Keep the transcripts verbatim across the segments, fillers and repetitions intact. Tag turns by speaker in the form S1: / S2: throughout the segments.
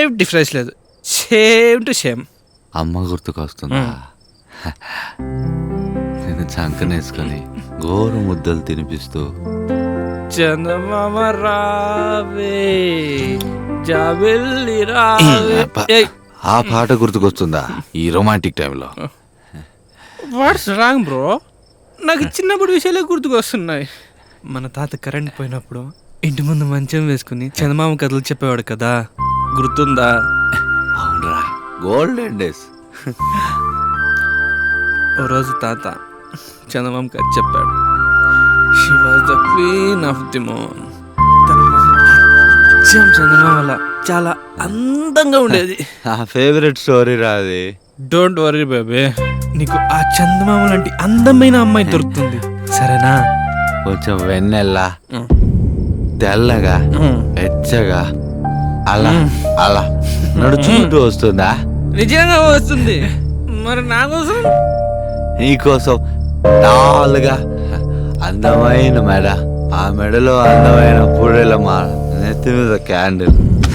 S1: Difference లేదు, same to same.
S2: అమ్మ గుర్తుకొస్తుందా? నేను చంకనేసుకొని గోరు ముద్దలు తినిపిస్తూ
S1: చందమామ రావే జాబిల్లి రావే. ఏయ్,
S2: ఆ పాట గుర్తుకొస్తుందా ఈ రొమాంటిక్ టైంలో?
S1: What's wrong bro? నాకు చిన్నప్పుడు విషయాలే గుర్తుకొస్తున్నాయి. మన తాత కరెంట్ పోయినప్పుడు ఇంటి ముందు మంచం వేసుకుని చందమామ కథలు చెప్పేవాడు కదా, గుర్తుందా?
S2: అవునరా, గోల్డెన్ డేస్.
S1: ఓ రోజు తాత చందమామ కథ చెప్పాడు. She was the queen of the moon. తన అచ్చం చందమామల చాలా అందంగా ఉండేది.
S2: నా ఫేవరెట్ స్టోరీ రాది.
S1: డోంట్ వరీ బేబీ, నీకు ఆ చందమామ లాంటి అందమైన అమ్మాయి దొరుకుతుంది, సరేనా?
S2: కొంచెం వెన్నెల్లా తెల్లగా వెచ్చగా అలా అలా నడుచుకుంటూ వస్తుందా?
S1: నిజంగా వస్తుంది. మరి నా కోసం?
S2: నీకోసం టాల్గా అందమైన మెడ, ఆ మెడలో అందమైన పూడల మాల, నెత్తి మీద క్యాండిల్.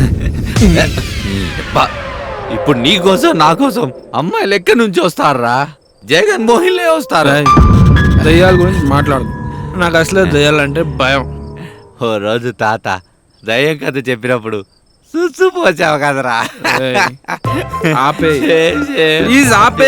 S2: ఇప్పుడు నీకోసం నా కోసం అమ్మాయిలు ఎక్కడి నుంచి వస్తారా? జగన్ మోహిన్లే వస్తారా?
S1: దయ్యాల గురించి మాట్లాడు, నాకు అసలే దయ్యాలంటే భయం.
S2: ఓ రోజు తాత దయ్యం కథ చెప్పినప్పుడు చూసిపోచావు కదరా.
S1: ఆపే ఆపే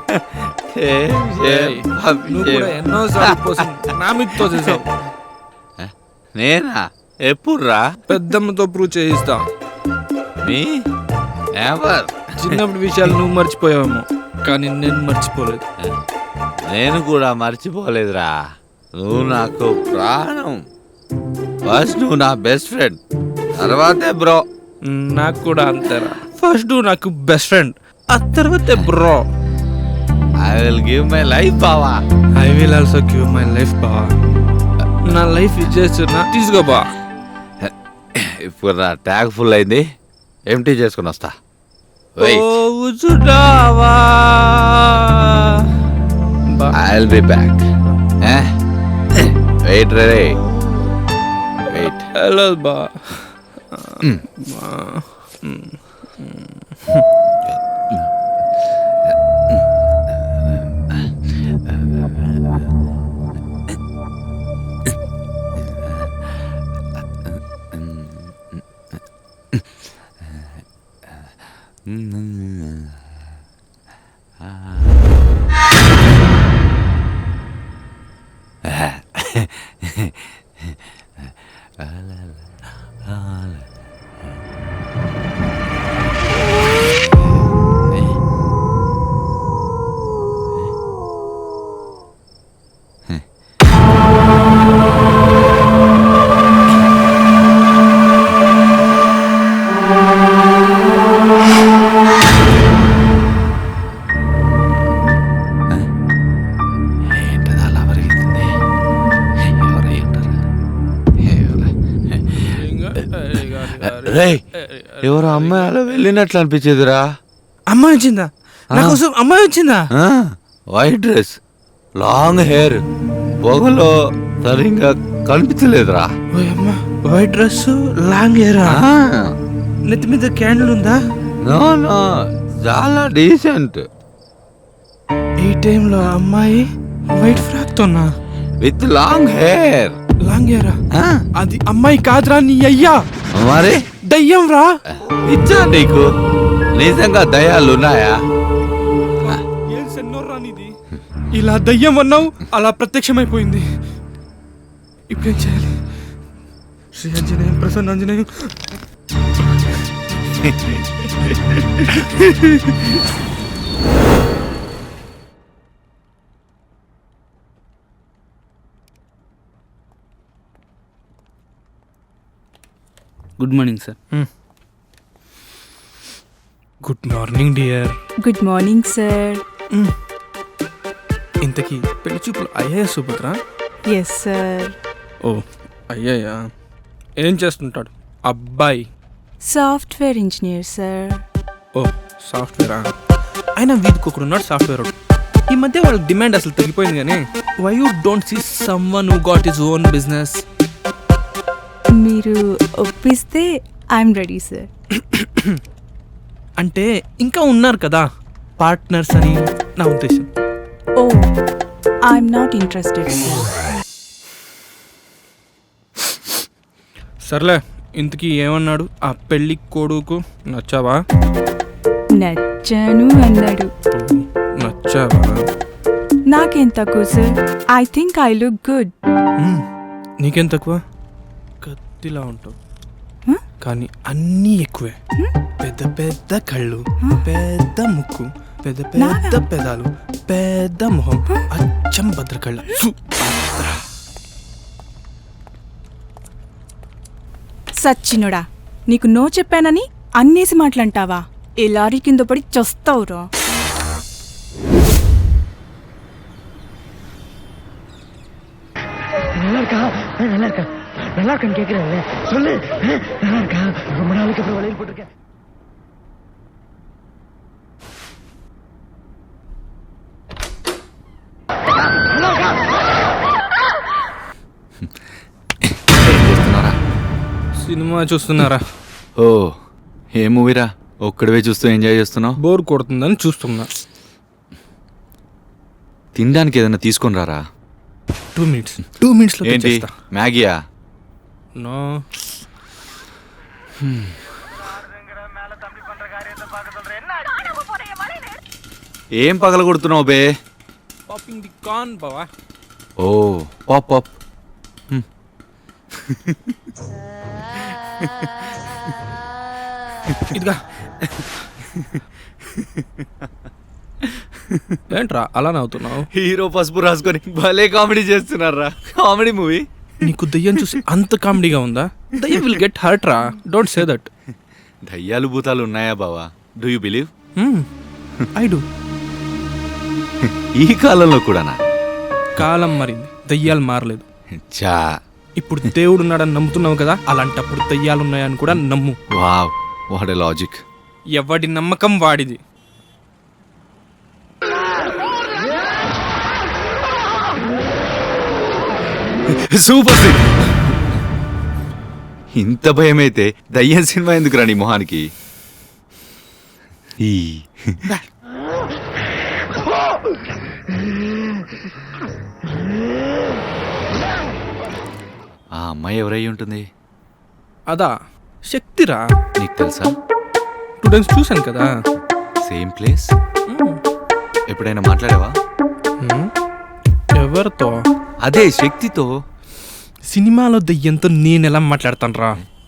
S1: ఎన్నోసార్లు నా మీతో చేసావు.
S2: నేనా? ఎప్పుడురా?
S1: పెద్దమ్మతో ప్రూవ్ చేయిస్తా.
S2: మీ ఎవర్
S1: చిన్నప్పుడు విషయాలు నువ్వు మర్చిపోయావేమో, కానీ నేను మర్చిపోలేదు.
S2: నేను కూడా మర్చిపోలేదురా. నువ్వు నాకు ప్రాణం. ఫస్ట్ నువ్వు నా బెస్ట్ ఫ్రెండ్, తర్వాతే బ్రో.
S1: నాకు కూడా అంతేరా. ఫస్ట్ నువ్వు నాకు బెస్ట్ ఫ్రెండ్, ఆ తర్వాతే bro.
S2: I will give my life బావా.
S1: I will also give my life బావా. నా లైఫ్ ఇచ్చేస్తున్నా, తీసుకో బా.
S2: ఇప్పుడు నా ట్యాగ్ ఫుల్ అయింది, ఎంటీ చేసుకుని వస్తా. I will be back. Wait రే వెయిట్.
S1: హలో బా.
S2: ఎవరు అమ్మాయి అలా వెళ్ళినట్లు అనిపించేదిరా.
S1: అమ్మాయి వచ్చిందా? నా కోసం అమ్మాయి వచ్చిందా?
S2: వైట్ డ్రెస్, లాంగ్ హెయిర్, పొగలో సరిగ్గా కనిపించలేదురా.
S1: వైట్ డ్రెస్, లాంగ్ హెయిర్, నెత్తి మీద క్యాండిల్ ఉందా?
S2: నో నో, చాలా డీసెంట్.
S1: ఈ టైంలో అమ్మాయి వైట్ ఫ్రాక్ తోనా?
S2: With long hair.
S1: Long hair? అది అమ్మాయి కాదురా, నీ అయ్యా.
S2: మరి
S1: దయ్యం రా.
S2: ఇచ్చా నీకు నిజంగా దయ్యాలు ఉన్నాయా?
S1: ఏం సెన్నోర్రా నీది? ఇలా దయ్యం అన్నావు, అలా ప్రత్యక్షమైపోయింది. ఇప్పుడేం చేయాలి? శ్రీ ఆంజనేయం ప్రసన్న Anjaneyam.
S3: Good morning sir.
S1: Good morning dear.
S4: Good morning sir.
S1: ఇంతకీ పెళ్లి చూపులు అయ్యాయా సుభద్ర?
S4: Yes sir.
S1: ఓ అయ్యాయా. ఏం చేస్తుంటాడు అబ్బాయి?
S4: Software engineer sir.
S1: ఓ సాఫ్ట్వేరా? అయినా వీధికి ఒకడు ఉన్నాడు సాఫ్ట్వేర్. ఈ మధ్య వాళ్ళ డిమాండ్ అసలు తగ్గిపోయింది. కానీ why you don't see someone who got his own business?
S4: మీరు ఒప్పిస్తే ఐఎమ్ రెడీ సార్.
S1: అంటే ఇంకా ఉన్నారు కదా పార్ట్నర్స్ అని నా ఉద్దేశం.
S4: Oh I'm not interested sir.
S1: సర్లే, ఇంతకీ ఏమన్నాడు ఆ పెళ్ళి కొడుకు? నచ్చావా?
S4: నచ్చాను అన్నాడు.
S1: నచ్చావా?
S4: నాకేం తక్కువ సార్. I think I look good.
S1: మ్మ్. నీకేం తక్కువ? కత్తిలా ఉంటావు
S4: Huh?
S1: కానీ అన్నీ ఎక్కువే. పెద్ద పెద్ద కళ్ళు, పెద్ద ముక్కు, పెద్ద పెద్ద
S4: నానా?
S1: పెదాలు, పెద్ద మొహం, అచ్చం భద్రకళ్ళ. సుభద్ర.
S4: సచ్చినుడా, నీకు నో చెప్పానని అన్నేసి మాటలంటావా? ఈ లారీ కింద పడి చస్తావురా.
S5: நல்லா இருக்கா நல்லா இருக்கா நல்லா இருக்கான்னு கேட்கிறேன் சொல்லு நல்லா இருக்கா ரொம்ப நாளைக்கு அப்புறம் வளையல் போட்டிருக்கேன்
S2: ఏం చేస్తున్నారా?
S1: సినిమా చూస్తున్నారా?
S2: ఓ ఏ మూవీరా? ఒక్కడివే చూస్తూ ఎంజాయ్ చేస్తున్నావు?
S1: బోర్ కొడుతుందని చూస్తున్నా.
S2: తినడానికి ఏదైనా తీసుకొని రారా?
S1: టూ మినిట్స్ టూ మినిట్స్లో
S2: ఏంటి
S1: తెచ్చేస్తా.
S2: మ్యాగీయా?
S1: నో.
S2: ఏం పగల కొడుతున్నావు బే?
S1: పాపింగ్ ది కార్న్ బావా.
S2: Oh pop pop.
S1: ఇదిగా. ఏంట్రా అలా నవ్వుతున్నావు?
S2: హీరో పసుపు రాసుకొని భలే కామెడీ చేస్తున్నారా? Comedy movie.
S1: నీకు దయ్యం చూసి అంత కామెడీగా ఉందా? దయ్యం విల్ గెట్ హర్ట్ రా. Don't say that.
S2: దయ్యాలు భూతాలు ఉన్నాయా బావా? Do you believe?
S1: I do.
S2: ఈ కాలంలో కూడానా?
S1: కాలం మారింది, దయ్యాలు మారలేదు.
S2: చా.
S1: ఇప్పుడు దేవుడు ఉన్నాడని నమ్ముతున్నావు కదా, అలాంటప్పుడు దయ్యాలు ఉన్నాయని కూడా నమ్ము.
S2: Wow, what a logic.
S1: ఎవడి నమ్మకం వాడిది.
S2: Super sick. ఇంత భయమైతే దయ్యం సినిమా ఎందుకు రాని మొహానికి? ఈ ఆ అమ్మాయి ఎవరై ఉంటుంది?
S1: అదా శక్తిరా.
S2: నీకు తెలుసా?
S1: టూ టైమ్స్ చూశాను కదా.
S2: Same place. ఎప్పుడైనా మాట్లాడావా?
S1: హ్మ్. ఎవరితో?
S2: అదే శక్తితో.
S1: సినిమాలో దయ్యంతో నేను ఎలా మాట్లాడతాను రా?